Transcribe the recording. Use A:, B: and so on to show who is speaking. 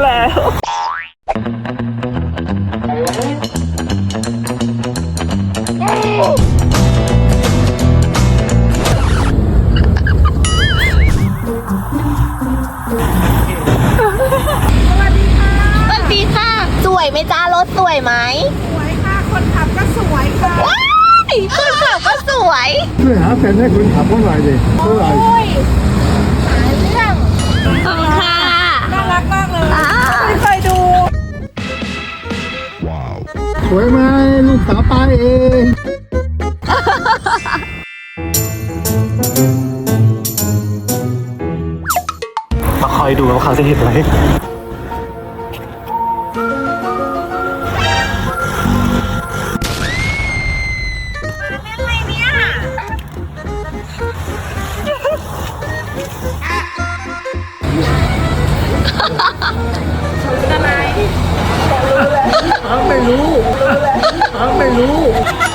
A: แล้ว
B: สวัสดีค่ะสวยไหมจ้ารถสวยไหม
A: สวยค่ะ คนขับก็สวยค่ะ
B: ว้ายคนขับก็สวย
C: ช่วยหาแฟนให้คนขับเท่าไหร่ดิเท่าไหร่
B: โอ้ยหาเรื่องขอบคุณค่ะ
A: น่ารักมากเลย
B: อ้าว
A: ไม่เคยดู
C: สวยไหมลูกสาวป้าเอง
D: มาคอยดูว่าเขาจะเห็นไหม
C: ไม่รู้